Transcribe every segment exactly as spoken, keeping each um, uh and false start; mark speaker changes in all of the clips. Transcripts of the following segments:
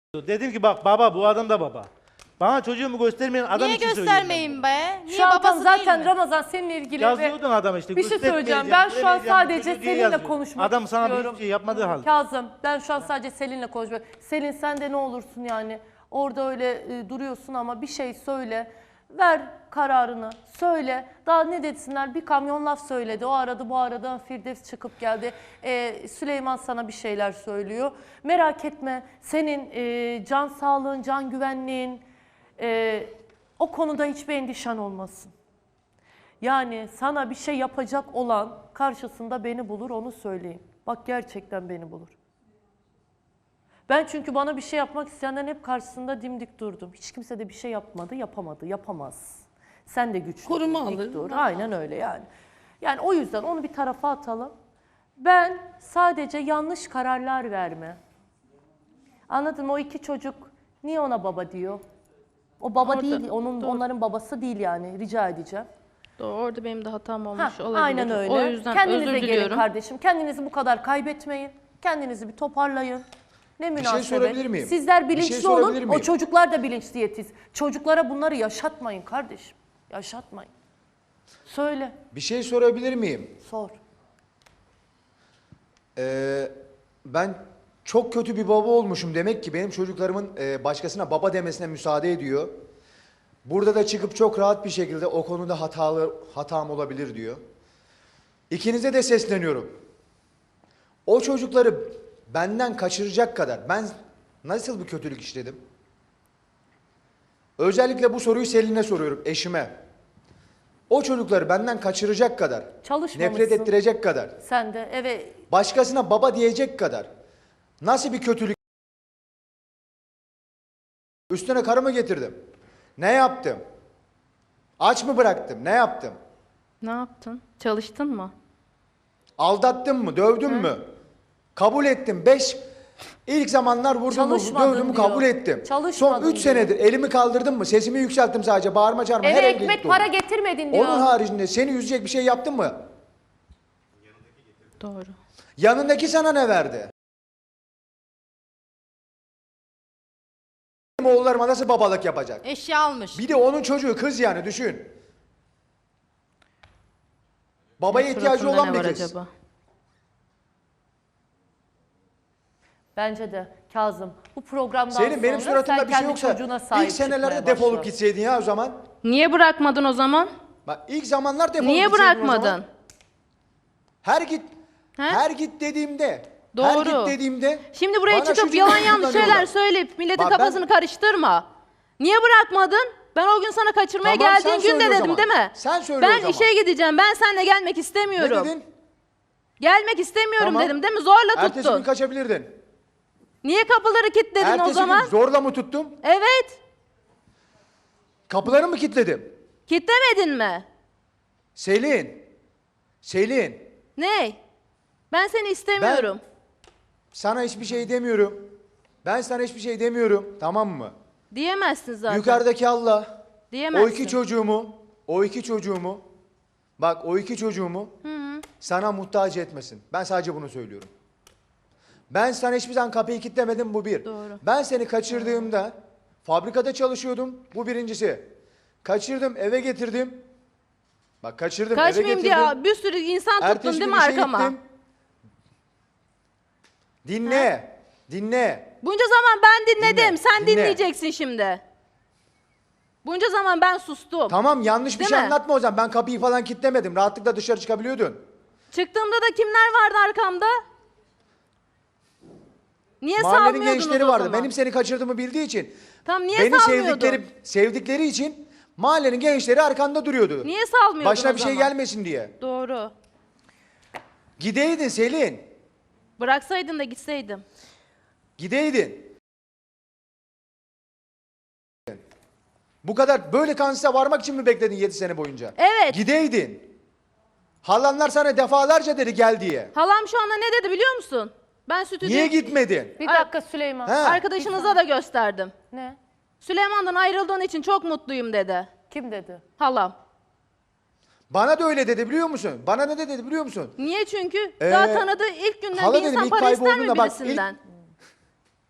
Speaker 1: Dedim ki bak baba, bu adam da baba. Bana çocuğumu göstermeyen adam
Speaker 2: Niye
Speaker 1: için söylüyorum.
Speaker 2: göstermeyin be? Niye
Speaker 3: Şu an tam
Speaker 2: babası
Speaker 3: zaten
Speaker 2: değil mi?
Speaker 3: Ramazan seninle ilgili
Speaker 1: Yazıyordun adam işte.
Speaker 3: bir şey söyleyeceğim.
Speaker 1: göstermeyeceğim,
Speaker 3: Ben şu an
Speaker 1: göremeyeceğim,
Speaker 3: sadece
Speaker 1: çocuğu diye
Speaker 3: seninle
Speaker 1: yazıyor.
Speaker 3: konuşmak
Speaker 1: Adam sana
Speaker 3: istiyorum.
Speaker 1: bir şey yapmadığı halde.
Speaker 3: Kazım, ben şu an sadece Selin'le konuşmak. Selin sen de ne olursun yani. Orada öyle e, duruyorsun ama bir şey söyle. Ver kararını. Söyle. Daha ne desinler? Bir kamyon laf söyledi. O arada bu arada Firdevs çıkıp geldi. E, Süleyman sana bir şeyler söylüyor. Merak etme. Senin e, can sağlığın, can güvenliğin e, o konuda hiçbir endişen olmasın. Yani sana bir şey yapacak olan karşısında beni bulur, onu söyleyeyim. Bak gerçekten beni bulur. Ben çünkü bana bir şey yapmak isteyenlerin hep karşısında dimdik durdum. Hiç kimse de bir şey yapmadı, yapamadı, yapamaz. Sen de güçlü.
Speaker 4: Koruma
Speaker 3: dik
Speaker 4: alır.
Speaker 3: dur. Aynen öyle yani. Yani o yüzden onu bir tarafa atalım. Ben sadece yanlış kararlar verme. Anladın mı? O iki çocuk niye ona baba diyor? O baba
Speaker 4: Orada,
Speaker 3: değil, onun
Speaker 4: doğru.
Speaker 3: onların babası değil yani. Rica edeceğim.
Speaker 4: Doğru, orada benim de hatam olmuş
Speaker 3: Ha,
Speaker 4: olabilir.
Speaker 3: aynen öyle.
Speaker 4: O yüzden
Speaker 3: Kendinize
Speaker 4: özür
Speaker 3: gelin
Speaker 4: diliyorum.
Speaker 3: kardeşim. Kendinizi bu kadar kaybetmeyin. Kendinizi bir toparlayın. Ne münasebet.
Speaker 5: sorabilir miyim?
Speaker 3: Sizler
Speaker 5: Bir şey
Speaker 3: bilinçli
Speaker 5: sorabilir
Speaker 3: olun. O
Speaker 5: miyim?
Speaker 3: çocuklar da bilinçli yetiş. Çocuklara bunları yaşatmayın kardeşim. Yaşatmayın. Söyle.
Speaker 5: Bir şey sorabilir miyim?
Speaker 3: Sor.
Speaker 5: Ee, ben çok kötü bir baba olmuşum demek ki benim çocuklarımın e, başkasına baba demesine müsaade ediyor. Burada da çıkıp çok rahat bir şekilde o konuda hatalı hatam olabilir diyor. İkinize de sesleniyorum. O çocukları benden kaçıracak kadar ben nasıl bir kötülük işledim? Özellikle bu soruyu Selin'e soruyorum, eşime. O çocukları benden kaçıracak kadar,
Speaker 3: Çalışmamışsın.
Speaker 5: nefret ettirecek kadar,
Speaker 3: Sen de eve
Speaker 5: başkasına baba diyecek kadar nasıl bir kötülük? Üstüne karımı getirdim. Ne yaptım? Aç mı bıraktım? Ne yaptım?
Speaker 4: Ne yaptın? Çalıştın mı?
Speaker 5: Aldattım mı? Dövdüm mü? Kabul ettim. Beş ilk zamanlar vurdum mu?
Speaker 3: Çalışmadın
Speaker 5: Dövdüm mü?
Speaker 3: diyor.
Speaker 5: Kabul ettim.
Speaker 3: Çalışmadın
Speaker 5: Son üç
Speaker 3: diyor.
Speaker 5: senedir elimi kaldırdım mı? Sesimi yükselttim sadece. Bağırma çağırma.
Speaker 3: eve
Speaker 5: Her evde
Speaker 3: ekmek
Speaker 5: gitti
Speaker 3: para
Speaker 5: oldum.
Speaker 3: getirmedin diyor.
Speaker 5: Onun haricinde seni üzecek bir şey yaptın mı?
Speaker 4: Doğru.
Speaker 5: Yanındaki sana ne verdi? Benim oğullarıma nasıl babalık yapacak?
Speaker 2: Eşya almış.
Speaker 5: Bir de onun çocuğu kız yani düşün. Babaya
Speaker 4: Ne
Speaker 5: ihtiyacı
Speaker 4: suratında
Speaker 5: olan
Speaker 4: ne
Speaker 5: bir
Speaker 4: var
Speaker 5: kız.
Speaker 4: acaba?
Speaker 3: Bence de Kazım. Bu programdan
Speaker 5: Senin benim
Speaker 3: sonra
Speaker 5: suratımda
Speaker 3: sen
Speaker 5: bir şey
Speaker 3: kendi
Speaker 5: yoksa
Speaker 3: çocuğuna sahip
Speaker 5: ilk senelerde
Speaker 3: çıkmaya
Speaker 5: defolup
Speaker 3: başla.
Speaker 5: gitseydin ya o zaman.
Speaker 4: Niye bırakmadın o zaman?
Speaker 5: Bak ilk zamanlar defolup
Speaker 4: Niye
Speaker 5: gitseydin o
Speaker 4: bırakmadın?
Speaker 5: zaman. Her git
Speaker 4: He?
Speaker 5: her git dediğimde her
Speaker 4: Doğru.
Speaker 5: git dediğimde
Speaker 4: Şimdi buraya
Speaker 5: bana
Speaker 4: çıkıp
Speaker 5: şu
Speaker 4: yalan
Speaker 5: cümleyi
Speaker 4: yanlış şeyler
Speaker 5: kullanıyorlar.
Speaker 4: söyleyip milletin
Speaker 5: Bak ben-
Speaker 4: kafasını karıştırma. Niye bırakmadın? Ben o gün sana kaçırmaya
Speaker 5: Tamam, sen
Speaker 4: geldiğin gün
Speaker 5: söyle
Speaker 4: de
Speaker 5: o
Speaker 4: dedim
Speaker 5: zaman.
Speaker 4: değil mi?
Speaker 5: Sen söyle o
Speaker 4: Ben
Speaker 5: zaman.
Speaker 4: işe gideceğim. Ben seninle gelmek
Speaker 5: Ne
Speaker 4: istemiyorum.
Speaker 5: dedin?
Speaker 4: Gelmek istemiyorum
Speaker 5: Tamam.
Speaker 4: dedim değil mi? Zorla
Speaker 5: Ertesi
Speaker 4: tuttun.
Speaker 5: gün kaçabilirdin.
Speaker 4: Niye kapıları kilitledin
Speaker 5: Ertesi
Speaker 4: o zaman?
Speaker 5: gün zorla mı tuttum?
Speaker 4: Evet.
Speaker 5: Kapıları mı kilitledim?
Speaker 4: Kilitlemedin mi?
Speaker 5: Selin. Selin.
Speaker 4: Ne? Ben seni istemiyorum.
Speaker 5: Sana hiçbir şey demiyorum. Ben sana hiçbir şey demiyorum. Tamam mı?
Speaker 4: Diyemezsin zaten.
Speaker 5: Yukarıdaki Allah.
Speaker 4: Diyemezsin.
Speaker 5: O iki çocuğumu, o iki çocuğumu, bak o iki çocuğumu sana muhtaç etmesin. Ben sadece bunu söylüyorum. Ben sana hiçbir zaman kapıyı kilitlemedim, bu bir.
Speaker 4: Doğru.
Speaker 5: Ben seni kaçırdığımda fabrikada çalışıyordum, bu birincisi. Kaçırdım, eve getirdim. Bak kaçırdım, eve
Speaker 4: Kaçmayayım
Speaker 5: getirdim.
Speaker 4: diye bir sürü insan tuttun
Speaker 5: Ertesi
Speaker 4: değil
Speaker 5: gün
Speaker 4: mi
Speaker 5: işe
Speaker 4: arkama?
Speaker 5: gittim. Dinle, dinle.
Speaker 4: Bunca zaman ben dinledim.
Speaker 5: Dinle,
Speaker 4: Sen
Speaker 5: dinle.
Speaker 4: dinleyeceksin şimdi. Bunca zaman ben sustum.
Speaker 5: Tamam yanlış bir
Speaker 4: Değil
Speaker 5: şey
Speaker 4: mi?
Speaker 5: anlatma o zaman. Ben kapıyı falan kilitlemedim. Rahatlıkla dışarı çıkabiliyordun.
Speaker 4: Çıktığımda da kimler vardı arkamda? Niye
Speaker 5: Mahallenin
Speaker 4: salmıyordunuz
Speaker 5: gençleri
Speaker 4: o
Speaker 5: vardı.
Speaker 4: zaman?
Speaker 5: Benim seni kaçırdığımı bildiği için.
Speaker 4: Tam niye
Speaker 5: Beni
Speaker 4: salmıyordun?
Speaker 5: sevdikleri sevdikleri için mahallenin gençleri arkanda duruyordu.
Speaker 4: Niye salmıyordun
Speaker 5: Başına
Speaker 4: o
Speaker 5: bir şey
Speaker 4: zaman?
Speaker 5: gelmesin diye.
Speaker 4: Doğru.
Speaker 5: Gideydin Selin.
Speaker 4: Bıraksaydın da gitseydim.
Speaker 5: Gideydin. Bu kadar böyle kansıza varmak için mi bekledin yedi sene boyunca?
Speaker 4: Evet.
Speaker 5: Gideydin. Halanlar sana defalarca dedi gel diye.
Speaker 4: Halam şu anda ne dedi biliyor musun? Ben stüdyo...
Speaker 5: Niye gitmedin?
Speaker 3: Bir dakika Süleyman.
Speaker 5: He.
Speaker 4: Arkadaşınıza da gösterdim.
Speaker 3: Ne?
Speaker 4: Süleyman'dan ayrıldığın için çok mutluyum dedi.
Speaker 3: Kim dedi?
Speaker 4: Halam.
Speaker 5: Bana da öyle dedi biliyor musun? Bana ne dedi biliyor musun?
Speaker 4: Niye çünkü?
Speaker 5: Ee,
Speaker 4: Daha tanıdığı ilk günden
Speaker 5: hala
Speaker 4: bir
Speaker 5: dedim,
Speaker 4: insan
Speaker 5: ilk
Speaker 4: para ister mi
Speaker 5: kaybolduğunda bak, ilk-
Speaker 4: birisinden?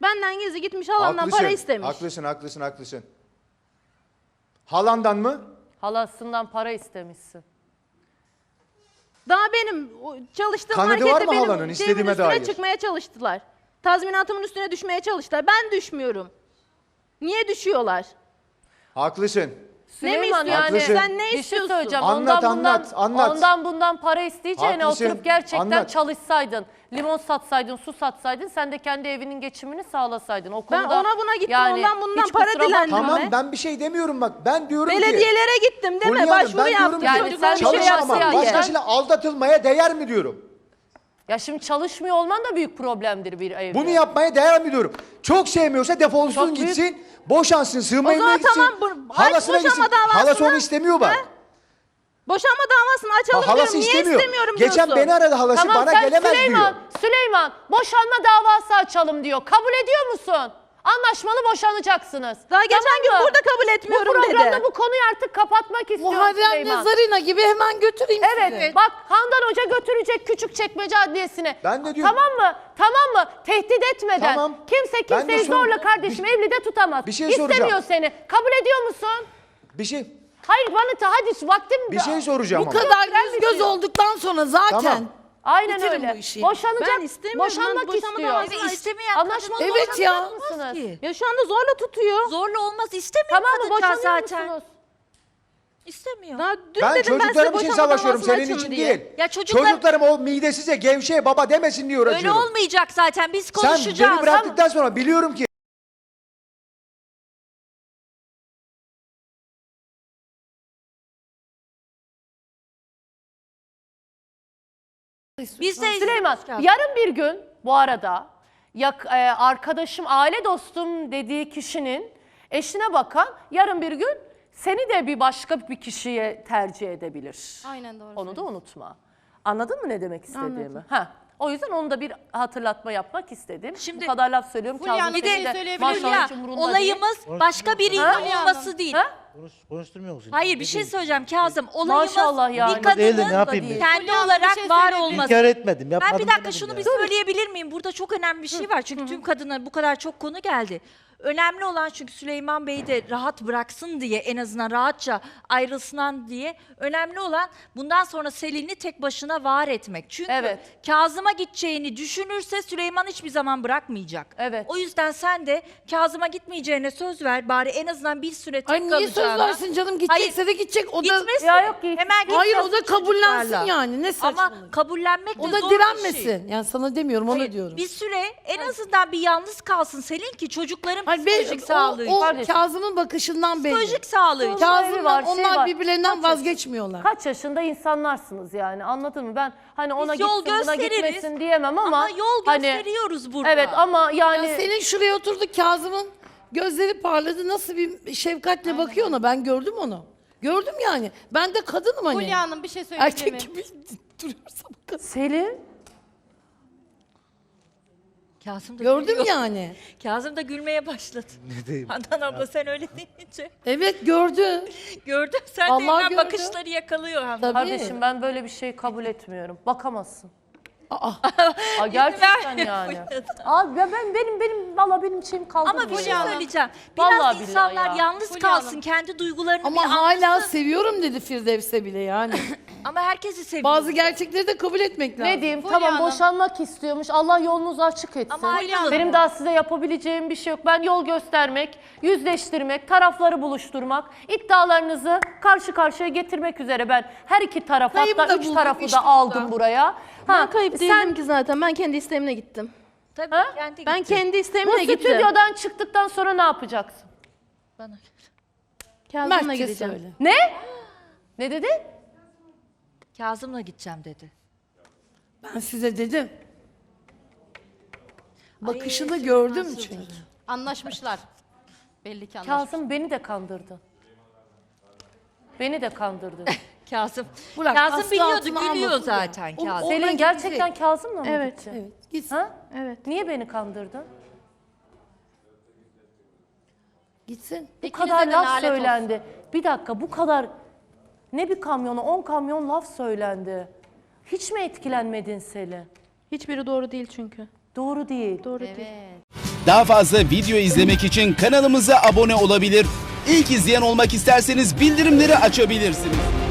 Speaker 4: Benden gizli gitmiş halamdan
Speaker 5: Haklısın,
Speaker 4: para istemiş.
Speaker 5: haklısın, haklısın, haklısın. Halandan mı?
Speaker 3: Halasından para istemişsin.
Speaker 4: Daha benim o çalıştığım
Speaker 5: Kanadı
Speaker 4: markette
Speaker 5: var mı
Speaker 4: benim
Speaker 5: halanın
Speaker 4: şeyimin
Speaker 5: istediğime
Speaker 4: üstüne
Speaker 5: dair?
Speaker 4: çıkmaya çalıştılar. Tazminatımın üstüne düşmeye çalıştılar. Ben düşmüyorum. Niye düşüyorlar?
Speaker 5: Haklısın.
Speaker 3: Süleyman
Speaker 4: istiyorsun?
Speaker 3: yani
Speaker 5: Haklısın.
Speaker 4: Sen ne
Speaker 3: bir şey
Speaker 4: istiyorsun?
Speaker 3: söyleyeceğim.
Speaker 5: Anlat,
Speaker 3: ondan bundan,
Speaker 5: anlat, anlat.
Speaker 3: Ondan bundan para isteyeceğine
Speaker 5: Haklısın,
Speaker 3: oturup gerçekten
Speaker 5: anlat.
Speaker 3: çalışsaydın. Limon satsaydın, su satsaydın. Sen de kendi evinin geçimini sağlasaydın. O
Speaker 4: Ben
Speaker 3: konuda
Speaker 4: ona buna gittim,
Speaker 3: yani
Speaker 4: ondan bundan
Speaker 3: hiç
Speaker 4: para
Speaker 3: kusura bakma.
Speaker 4: dilendim.
Speaker 5: Tamam
Speaker 4: mi?
Speaker 5: ben bir şey demiyorum bak. Ben diyorum ki.
Speaker 4: Belediyelere gittim değil mi?
Speaker 5: Fulya Hanım,
Speaker 4: Başvuru
Speaker 5: ben diyorum
Speaker 4: yaptım.
Speaker 5: ki
Speaker 3: Yani
Speaker 4: Çocuklar
Speaker 3: sen
Speaker 4: bir şey
Speaker 3: çalışamam.
Speaker 4: yapsın diye.
Speaker 5: Başkasıyla aldatılmaya değer mi diyorum.
Speaker 3: Ya şimdi çalışmıyor olman da büyük problemdir bir evde.
Speaker 5: Bunu yapmaya değer mi diyorum. Çok sevmiyorsa defolsun
Speaker 3: Çok büyük-
Speaker 5: gitsin. Boşansın, sığınma
Speaker 4: O
Speaker 5: evine
Speaker 4: zaman
Speaker 5: gitsin.
Speaker 4: tamam, bu- aç
Speaker 5: Halasına
Speaker 4: boşanma
Speaker 5: gitsin.
Speaker 4: davasını.
Speaker 5: Halası onu istemiyor bak.
Speaker 4: Boşanma davasını açalım
Speaker 5: Ha, halası
Speaker 4: diyorum. Niye
Speaker 5: istemiyor.
Speaker 4: istemiyorum
Speaker 5: Geçen
Speaker 4: diyorsun?
Speaker 5: beni aradı halası
Speaker 3: Tamam
Speaker 5: bana
Speaker 3: sen
Speaker 5: gelemez
Speaker 3: Süleyman,
Speaker 5: diyor.
Speaker 3: Süleyman boşanma davası açalım diyor. Kabul ediyor musun? Anlaşmalı boşanacaksınız.
Speaker 4: Daha geçen
Speaker 3: Tamam
Speaker 4: gün
Speaker 3: mı?
Speaker 4: burada kabul etmiyorum
Speaker 3: Bu programda
Speaker 4: dedi.
Speaker 3: bu konuyu artık kapatmak istiyorum
Speaker 2: Muharrem
Speaker 3: Süleyman.
Speaker 2: Nazarina gibi hemen götüreyim
Speaker 3: Evet,
Speaker 2: sizi.
Speaker 3: bak Handan Hoca götürecek Küçükçekmece Adliyesi'ne.
Speaker 5: Ben de diyorum-
Speaker 3: Tamam mı? Tamam mı? Tehdit etmeden.
Speaker 5: Tamam.
Speaker 3: Kimse
Speaker 5: Ben de
Speaker 3: kimseyi
Speaker 5: sor-
Speaker 3: zorla kardeşim
Speaker 5: bir-
Speaker 3: evlide tutamaz.
Speaker 5: bir şey
Speaker 3: İstemiyor
Speaker 5: soracağım.
Speaker 3: seni. Kabul ediyor musun?
Speaker 5: Bir şey
Speaker 3: Hayır bana ta hadi vaktim
Speaker 5: bir şey soracağım
Speaker 2: Bu
Speaker 5: ama.
Speaker 2: kadar
Speaker 3: süren
Speaker 2: yüz göz
Speaker 3: bitiyor.
Speaker 2: olduktan sonra zaten.
Speaker 5: Tamam.
Speaker 3: Aynen
Speaker 2: Bitirin
Speaker 3: öyle.
Speaker 2: bu işi.
Speaker 3: Boşanacak,
Speaker 4: Ben istemiyorum.
Speaker 3: boşanmak
Speaker 4: Ben boşanma
Speaker 3: istiyor.
Speaker 4: davası
Speaker 6: Evet, istemeyen
Speaker 3: Anlaşmalı
Speaker 6: kadın
Speaker 2: Evet ya.
Speaker 3: boşanacak mısınız?
Speaker 6: ki.
Speaker 4: Ya şu anda zorla tutuyor.
Speaker 6: Zorla olmaz, istemiyor
Speaker 3: Tamam mı?
Speaker 6: kadıncağız
Speaker 3: Boşanıyor
Speaker 6: zaten.
Speaker 3: musunuz?
Speaker 6: İstemiyor.
Speaker 4: Daha dün
Speaker 5: Ben
Speaker 4: dedim ben size
Speaker 5: çocuklarım için
Speaker 4: boşanma
Speaker 5: savaşıyorum
Speaker 4: davasını
Speaker 5: senin
Speaker 4: açın
Speaker 5: için
Speaker 4: diye.
Speaker 5: değil.
Speaker 6: Ya çocuklar-
Speaker 5: Çocuklarım o midesize gevşeye baba demesin diye
Speaker 6: Öyle
Speaker 5: uğraşıyorum.
Speaker 6: olmayacak zaten. Biz
Speaker 5: Sen
Speaker 6: konuşacağız.
Speaker 5: beni bıraktıktan sonra biliyorum ki
Speaker 6: Biz de
Speaker 3: Süleyman yarın bir gün bu arada yak, e, arkadaşım, aile dostum dediği kişinin eşine bakan yarın bir gün seni de bir başka bir kişiye tercih edebilir.
Speaker 4: Aynen doğru.
Speaker 3: Onu da unutma. Anladın mı ne demek istediğimi? Ha. O yüzden onu da bir hatırlatma yapmak istedim.
Speaker 6: Şimdi-
Speaker 3: Bu kadar laf söylüyorum.
Speaker 2: Fulya
Speaker 3: Kazım
Speaker 2: Hanım, bir
Speaker 3: Bey
Speaker 2: şey
Speaker 3: de
Speaker 2: söyleyebilir
Speaker 3: maşallah
Speaker 6: Fulya,
Speaker 3: hiç umurunda
Speaker 6: olayımız
Speaker 3: değil.
Speaker 6: başka bir insan
Speaker 3: Ha?
Speaker 6: olması değil.
Speaker 3: Ha?
Speaker 1: Konuş, konuşturmuyor musun?
Speaker 6: Hayır bir şey söyleyeceğim Kazım. Olayımız
Speaker 3: Maşallah yani.
Speaker 6: bir
Speaker 1: Değil de ne
Speaker 6: kadının
Speaker 1: yapayım ben?
Speaker 6: kendi
Speaker 2: Fulya Hanım, bir
Speaker 6: olarak
Speaker 2: şey
Speaker 6: var
Speaker 2: söyleyebilir
Speaker 6: olması.
Speaker 1: İnkar etmedim. Yapmadım
Speaker 6: Ben bir dakika
Speaker 1: demedim
Speaker 6: şunu
Speaker 1: yani.
Speaker 6: bir söyleyebilir miyim? Burada çok önemli bir şey var. Çünkü tüm kadınlar bu kadar çok konu geldi. Önemli olan çünkü Süleyman Bey'i de rahat bıraksın diye, en azından rahatça ayrılsın diye. Önemli olan bundan sonra Selin'i tek başına var etmek. Çünkü
Speaker 3: Evet.
Speaker 6: Kazım'a gideceğini düşünürse Süleyman hiçbir zaman bırakmayacak.
Speaker 3: Evet.
Speaker 6: O yüzden sen de Kazım'a gitmeyeceğine söz ver. Bari en azından bir süre tek
Speaker 2: Ay niye söz
Speaker 6: kalacağına.
Speaker 2: versin canım, gidecekse de gidecek. O da
Speaker 6: Gitmesin.
Speaker 3: Ya yok ki.
Speaker 6: Hemen
Speaker 2: hayır, o
Speaker 6: gitmesin
Speaker 2: da kabullensin
Speaker 6: çocuklarla.
Speaker 2: yani. Ne
Speaker 6: Ama
Speaker 2: saçmalık.
Speaker 6: kabullenmek de
Speaker 2: O da
Speaker 6: zor bir şey.
Speaker 2: direnmesin. Yani sana demiyorum, ona
Speaker 6: Hayır,
Speaker 2: diyorum.
Speaker 6: bir süre en azından bir yalnız kalsın Selin ki çocukların
Speaker 2: Hayır, ben-
Speaker 6: psikolojik sağlığı
Speaker 2: o, o
Speaker 6: için.
Speaker 3: Kardeşim.
Speaker 2: Kazım'ın bakışından belli.
Speaker 6: Psikolojik sağlığı için.
Speaker 3: Kazım-
Speaker 2: Kazım'la
Speaker 3: var, şey
Speaker 2: onlar
Speaker 3: var.
Speaker 2: birbirlerinden
Speaker 3: Kaç
Speaker 2: vazgeçmiyorlar.
Speaker 3: Kaç yaşında insanlarsınız yani, anladın mı? Ben hani ona
Speaker 6: Biz yol
Speaker 3: gitsin buna
Speaker 6: gösteririz.
Speaker 3: gitmesin diyemem ama,
Speaker 6: Ama yol
Speaker 3: hani,
Speaker 6: gösteriyoruz burada.
Speaker 3: evet ama yani
Speaker 2: Ya senin şuraya oturdu, Kazım'ın gözleri parladı, nasıl bir şefkatle bakıyor ona, ben gördüm onu. Gördüm yani. Ben de kadınım hani.
Speaker 7: Fulya Hanım bir şey söyleyebilir
Speaker 2: Erkek
Speaker 7: miyim?
Speaker 2: gibi duruyorsa kadın.
Speaker 3: Selin
Speaker 6: Kazım da
Speaker 2: Gördüm
Speaker 6: gülüyor.
Speaker 2: yani.
Speaker 6: Kazım da gülmeye başladı.
Speaker 1: Ne diyeyim?
Speaker 6: Handan abla sen öyle deyince.
Speaker 2: Evet, gördü.
Speaker 6: Gördüm sen
Speaker 2: Allah
Speaker 6: de hemen
Speaker 2: gördü.
Speaker 6: bakışları yakalıyor Handan.
Speaker 2: Tabii.
Speaker 3: kardeşim ben böyle bir şey kabul etmiyorum. Bakamazsın.
Speaker 2: Aa,
Speaker 3: Aa, gerçekten
Speaker 6: vermiyor
Speaker 3: yani.
Speaker 6: Fulya'dan.
Speaker 3: Abi ben, ben benim benim valla benim şeyim kaldı.
Speaker 6: Ama bir şey
Speaker 7: Hanım.
Speaker 6: söyleyeceğim. Biraz
Speaker 3: Vallahi billahi
Speaker 6: insanlar
Speaker 3: ya.
Speaker 6: yalnız
Speaker 7: Fulya
Speaker 6: kalsın,
Speaker 7: Hanım.
Speaker 6: kendi duygularını
Speaker 2: ama
Speaker 6: bir
Speaker 2: hala
Speaker 6: anlasın.
Speaker 2: seviyorum dedi Firdevs'e bile yani.
Speaker 6: Ama herkesi seviyor.
Speaker 2: Bazı gerçekleri de kabul etmek lazım.
Speaker 3: Ne diyeyim?
Speaker 7: Fulya
Speaker 3: Tamam
Speaker 7: Hanım.
Speaker 3: boşanmak istiyormuş. Allah yolunuzu açık etsin.
Speaker 6: Ama ayrılın.
Speaker 3: Benim daha size yapabileceğim bir şey yok. Ben yol göstermek, yüzleştirmek, tarafları buluşturmak, iddialarınızı karşı karşıya getirmek üzere ben her iki tarafı,
Speaker 2: Kayıp
Speaker 3: hatta
Speaker 2: da
Speaker 3: üç
Speaker 2: bulduk
Speaker 3: tarafı
Speaker 2: işte
Speaker 3: da aldım buraya.
Speaker 4: Ben kayıp değildim
Speaker 3: sen
Speaker 4: ki zaten. Ben kendi isteğimle gittim.
Speaker 6: Tabii
Speaker 3: Ha?
Speaker 6: kendi
Speaker 4: Ben
Speaker 6: gitti.
Speaker 4: kendi
Speaker 3: bu
Speaker 4: isteğimle gittim.
Speaker 3: stüdyodan çıktıktan sonra ne yapacaksın?
Speaker 6: Bana.
Speaker 4: Kazım'la
Speaker 2: Mertçe
Speaker 4: gideceğim.
Speaker 2: söyle.
Speaker 3: Ne? Ne dedi?
Speaker 6: Kazım'la gideceğim dedi.
Speaker 2: Ben size dedim. Bakışını gördüm çünkü.
Speaker 7: Anlaşmışlar. Belli ki anlaşmışlar.
Speaker 3: Kazım beni de kandırdı. Beni de kandırdı.
Speaker 6: Kazım.
Speaker 2: Bırak,
Speaker 6: Kazım
Speaker 2: aslı
Speaker 6: biliyordu,
Speaker 2: altına
Speaker 6: gülüyor
Speaker 2: almasın ya.
Speaker 6: zaten
Speaker 2: O-
Speaker 6: Kazım.
Speaker 2: o-
Speaker 3: Selin
Speaker 2: Oradan
Speaker 3: gerçekten
Speaker 2: gidecek.
Speaker 3: Kazım'la mı
Speaker 4: Evet.
Speaker 3: gitti?
Speaker 2: Evet, gitsin.
Speaker 3: Ha?
Speaker 4: Evet.
Speaker 3: Niye beni kandırdın?
Speaker 2: Gitsin.
Speaker 3: Bu
Speaker 7: İkinize
Speaker 3: kadar
Speaker 7: de
Speaker 3: laf
Speaker 7: lanet olsun.
Speaker 3: söylendi. Bir dakika, bu kadar ne bir kamyona on kamyon laf söylendi. Hiç mi etkilenmedin Selin?
Speaker 4: Hiçbiri doğru değil çünkü.
Speaker 3: Doğru değil.
Speaker 4: Doğru değil.
Speaker 7: Evet.
Speaker 8: Daha fazla video izlemek için kanalımıza abone olabilir. İlk izleyen olmak isterseniz bildirimleri açabilirsiniz.